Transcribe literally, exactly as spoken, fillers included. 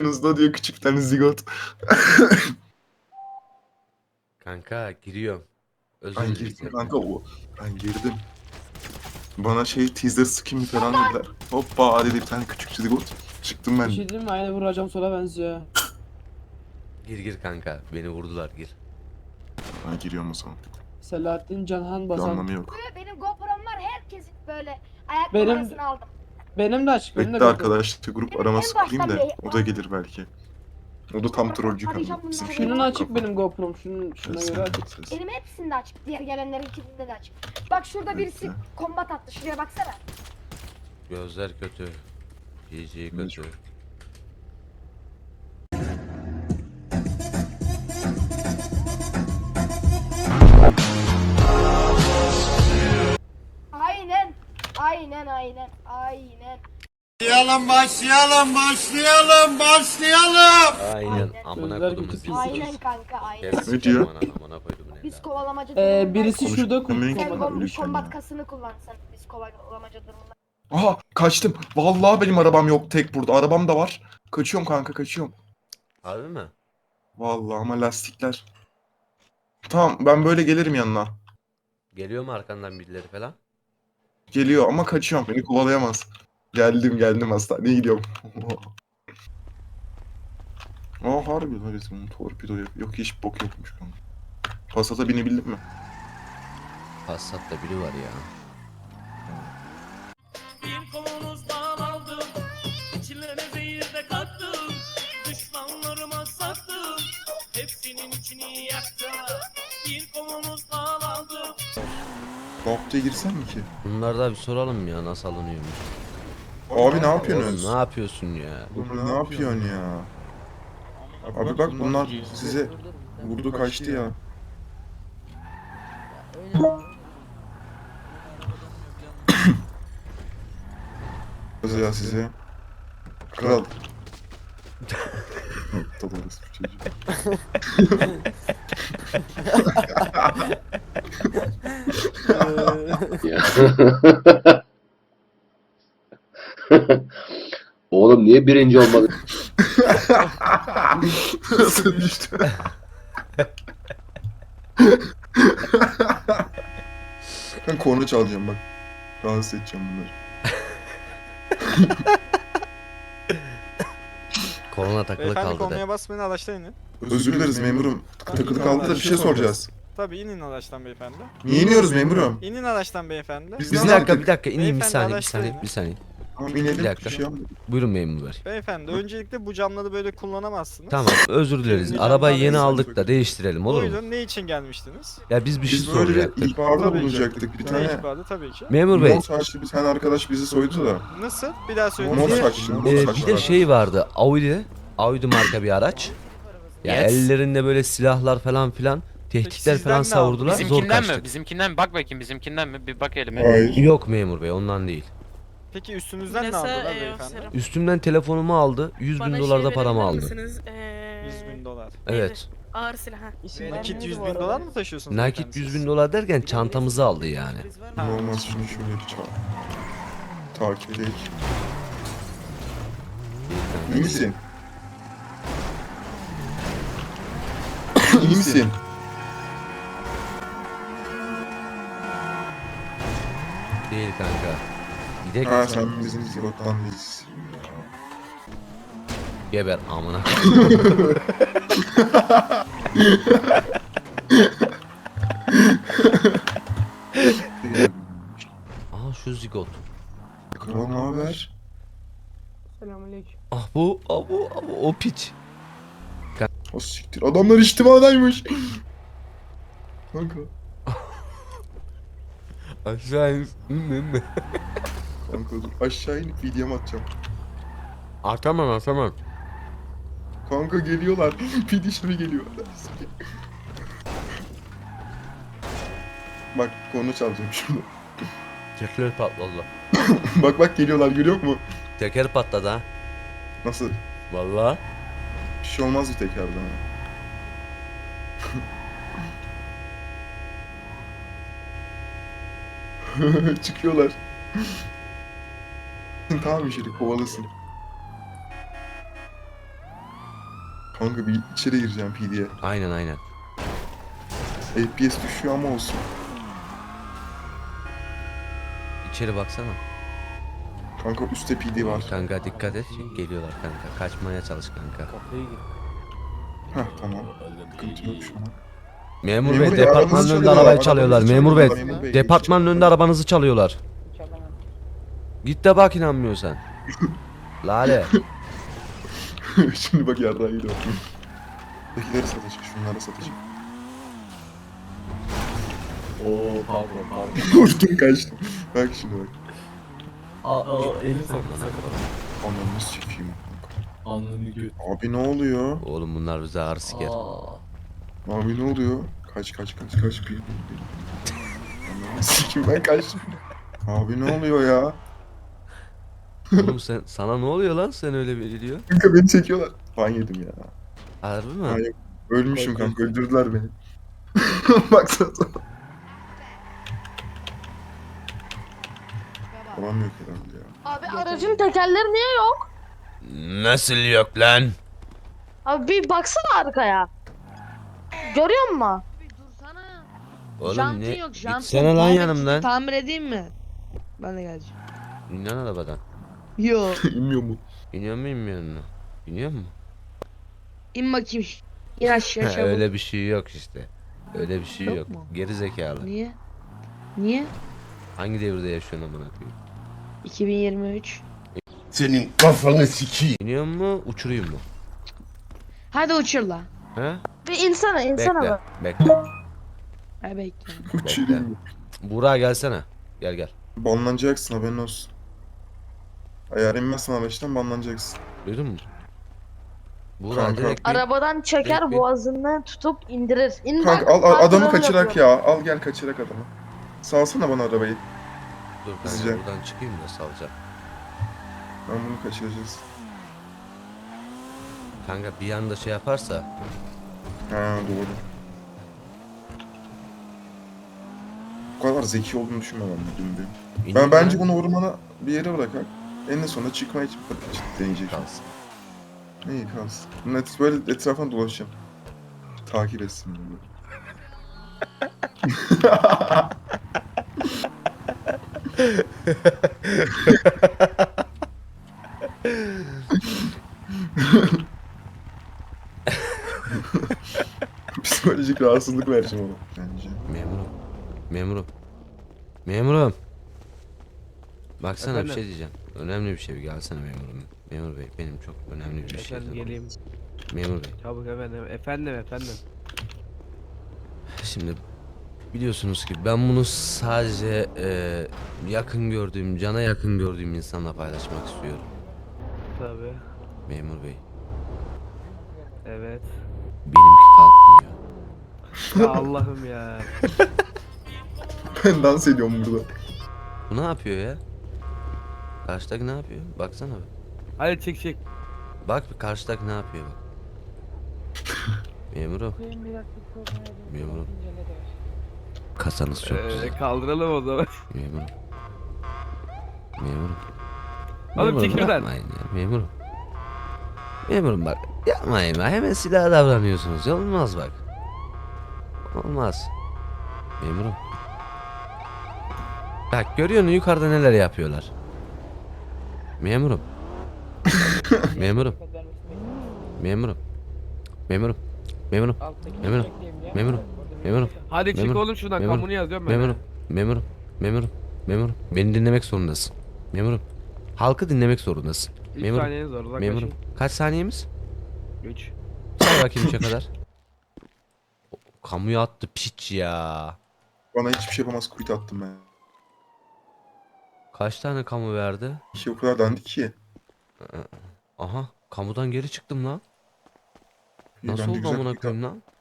Yanınızda diyor küçük bir tane zigot. Kanka giriyorum. Özür Ben dileyeceğim. girdim kanka o. Ben girdim. Bana şey teaser skin falan dediler. Hoppa dedi bir tane küçük zigot. Çıktım Bir ben. şey diyeyim mi? Aynı vuracağım sola benziyor. Gir gir kanka. Beni vurdular gir. Ben giriyorum o zaman. Selahattin Canhan Bir basan. anlamı yok. Benim GoPro'm var, herkesin böyle ayak Benim- numarasını aldım. Benim de açık. Benim de Bekle GoPro. arkadaşlar grup Benim araması en kurayım da baştan o da gelir belki. O da tam trollcü kanka. Bizim şey Şunun yok, açık kafa. benim GoPro'm. Şunun şuna Ses, göre açık. ses. Benim hepsinde açık, diğer gelenlerinkinde de açık. Bak şurada birisi Bekle. kombat attı, şuraya baksana. Gözler kötü. G G Ne kötü. çok- Aynen, aynen, aynen, aynen. Başlayalım, başlayalım, başlayalım, başlayalım. Aynen. Aynen. Amına Gözler kodum kötü hızlı. pis. Aynen kanka, aynen. Gerisi Ne diyor? Amına, amına koydum ne Biz lan. kovalamaca Ee, durumundayız. birisi şurada Konuşmayı- Sen kombat. kom- Lütfen kombat ya. kasını kullan sen, biz kovalamaca durumunda. Aha kaçtım. Vallahi benim arabam yok tek burada. Arabam da var. Kaçıyorum kanka kaçıyorum. Harbi mi? Vallahi ama lastikler. Tamam ben böyle gelirim yanına. Geliyor mu arkandan birileri falan? Geliyor ama kaçıyorum. Beni kovalayamaz. Geldim geldim hastaneye gidiyorum. Aa harbi lan resmen torpido yok. Yok hiç bok yokmuş kanka. Passat'a binebildin mi? Passat'ta biri var ya. Bir kolunuzdan aldım, içlerine zehir de kattım, düşmanlarıma sattım, hepsinin içini yaktım. Bir kolunuzdan aldım. Noktaya girsem mi ki? Bunlar da bir soralım ya nasıl alınıyormuş. Abi ne Oğlum yapıyorsunuz? ne yapıyorsun ya? Oğlum ne yapıyorsun ya? Abi bak bunlar size vurdu kaçtı ya. Kız ya size. Kral. Aptal orası bir çocuk. Oğlum niye birinci olmadı? Nasıl düştü? Ben korna çalacağım bak. Rahatsız edeceğim bunları. Korona takılı Beyefendi kaldı de. kornaya basmayın, araçtan inin. Özür dileriz memurum. Takılı kaldı da bir şey soracağız. Tabii inin araçtan beyefendi. Niye iniyoruz memurum? İnin araçtan beyefendi. Biz Bir ne dakika yaptık? bir dakika ineyim bir Beyefendi, saniye bir araçtayım. saniye bir saniye. Tamam inelim. Bir dakika. Bir şey yapmadık. Buyurun memur bey. Beyefendi öncelikle bu camları böyle kullanamazsınız. Tamam özür dileriz. Şimdi Arabayı yeni camdan aldık da değiştirelim olur mu? Buyurun, ne için gelmiştiniz? Ya biz bir şey Biz böyle soracaktık. ihbarda Tabii ki. bulunacaktık. Bir Ne tane ihbarı tabii ki. Memur bey mor saçlı bir tane arkadaş bizi soydu da. Nasıl? Bir daha söyleyin. Mor Bir de- saçlı, mor e, saçlı. bir de şey vardı Audi. Audi marka bir araç. Ya Yes. ellerinde böyle silahlar falan filan. Tehditler sizden falan ne savurdular. aldı? Zor Bizimkinden kaçtık. mi? Bizimkinden mi? Bak bakayım bizimkinden mi? Bir bak elime. Hayır. Yok memur bey ondan değil. Peki üstünüzden ne Neyse, aldılar e, beyefendi? serum. Üstümden telefonumu aldı. yüz bin Bana dolar şey da paramı verebilir aldı. misiniz? Ee, yüz bin dolar. Evet. Ağır silah. ha. Nakit yüz bin dolar mı taşıyorsunuz? Nakit beyefendi yüz siz? bin dolar derken çantamızı aldı yani. Ha. Olmaz şunu şöyle bir çal. Takip edelim. İyi misin? İyi misin? Değil kanka. Gidek Ha sen bizim zigottan değilsin. geber amına. Aa şu zigot. Kral ne haber? Selamünaleyküm. Ah bu, ah bu, ah bu o piç. O siktir. Adamlar içtimadaymış. Kanka. Aşağı in. Kanka dur. Aşağı inip videomu atacağım. Atamam atamam. Kanka geliyorlar. Pidişimi geliyor. Bak konu çalacağım şunu. Teker patladı. Bak bak geliyorlar görüyor musun? Teker patladı ha. Nasıl? Vallahi. Bir şey olmaz bir tekrardan. Çıkıyorlar. Tamam işte kovalasın. Kanka bir içeri gireceğim P D'ye. Aynen aynen. F P S düşüyor ama olsun. İçeri baksana. Kanka üstte P D var. Kanka dikkat et. Geliyorlar kanka. Kaçmaya çalış kanka. Heh tamam. Sıkıntı yok şu an. Memur, Memur bey bey, departmanın arabanızı önünde çalıyorlar, arabayı çalıyorlar. arabanızı Memur bey. çalıyorlar, memur bey. Departmanın önünde arabanızı çalıyorlar. Git de bak inanmıyorsan. Lale. Şimdi bak yarrağı gidiyor. Ötekileri satacak, şunları satacak. Oo pardon pardon. Uçtum kaçtım. Bak şimdi bak. Aa, aa elini sakın sakın. Ananı sikeyim. Alnını göt. Abi ne oluyor? Oğlum bunlar bize ağır siker. Aa. Abi ne oluyor? Kaç kaç kaç kaç bir. Ananı sikeyim ben kaçtım. Abi ne oluyor ya? Oğlum sen sana ne oluyor lan sen öyle bir diyor. Kanka beni çekiyorlar. Ban yedim ya. Harbi mi? Hayır. Ölmüşüm kanka öldürdüler beni. Baksana. Babam yok herhalde ya. Abi aracın tekerleri niye yok? Nasıl yok lan? Abi bir baksana arkaya. Görüyor musun? Abi dursana. Oğlum Jantın ne? yok, jantın. Gitsene lan Tamir- yanımdan. Tamir edeyim mi? Ben de geleceğim. İn lan arabadan. Yo. İnmiyor mu? İniyor mu inmiyor mu? İniyor mu? İn bakayım. İn aşağı çabuk. Öyle bir şey yok işte. Öyle bir şey Yok yok. mu? Geri zekalı. Niye? Niye? Hangi devirde yaşıyorsun amına koyayım? iki bin yirmi üç. Senin kafanı sikeyim. İniyor mu, uçurayım mı? Hadi uçur la. He? Bir insana insana Bekle, bak. bekle. Ay bekle. Uçurayım. Buğra gelsene. Gel gel. Banlanacaksın haberin olsun. Eğer inmezsen araçtan banlanacaksın. Duydun mu? Buğra Kanka. direkt bir... Arabadan çeker Bekle. boğazından tutup indirir. İn Kanka bak, al, al adamı kontrol kaçırak yapıyor. ya. Al gel kaçırak adamı. Salsana bana arabayı. Dur ben Hızlıca. buradan çıkayım da salacağım. Ben bunu kaçıracağız. Kanka bir anda şey yaparsa... Ha doğru. Bu kadar zeki olduğunu düşünmem ben dün benim. İneyim Ben bence lan. bunu ormana bir yere bırakak. En sonunda çıkmaya için deneyecek. Kalsın. İyi kalsın. Net böyle etrafına dolaşacağım. Takip etsin beni. Psikolojik rahatsızlık vereceğim ona bence. Memurum. Memurum. Memurum. Baksana Efendim? bir şey diyeceğim. Önemli bir şey. Bir gelsene memurum. Memur bey benim çok önemli bir şey. Efendim geleyim. Memur bey. Çabuk efendim. Efendim efendim. Şimdi biliyorsunuz ki ben bunu sadece e, yakın gördüğüm, cana yakın gördüğüm insanla paylaşmak istiyorum. Tabii. Memur bey. Evet. Benimki kalkmıyor. Ya Allah'ım ya. Ben dans ediyorum burada. Bu ne yapıyor ya? Karşıdaki ne yapıyor? Baksana bir. Hadi çek çek. Bak bir karşıdaki ne yapıyor bak. Memurum. Memurum. Kasanız çok güzel. Ee, kaldıralım o zaman. Memurum. Memurum. Oğlum Memurum, çekil lan. yapmayın ya memurum. Memurum bak yapmayın bak hemen silah davranıyorsunuz. Olmaz bak. Olmaz. Memurum. Bak görüyor musun yukarıda neler yapıyorlar. Memurum. Memurum. Memurum. Memurum. Memurum. Memurum. Memurum. Memurum. Hadi çık Memurum, oğlum şuradan memurum, kamunu yazıyorum ben. Memurum. Memurum. Memurum. Memurum. Beni dinlemek zorundasın. Memurum. Halkı dinlemek zorundasın. üç Memurum. saniyeniz var uzaklaşın. Memurum. Kaç saniyemiz? üç. Say bakayım üçe kadar. Kamuya attı piç ya. Bana hiçbir şey yapamaz quit attım ben. Kaç tane kamu verdi? İşi o kadar dandik ki. Aha. Kamudan geri çıktım lan. İyi, Nasıl bence oldu güzel amına quit koyayım lan?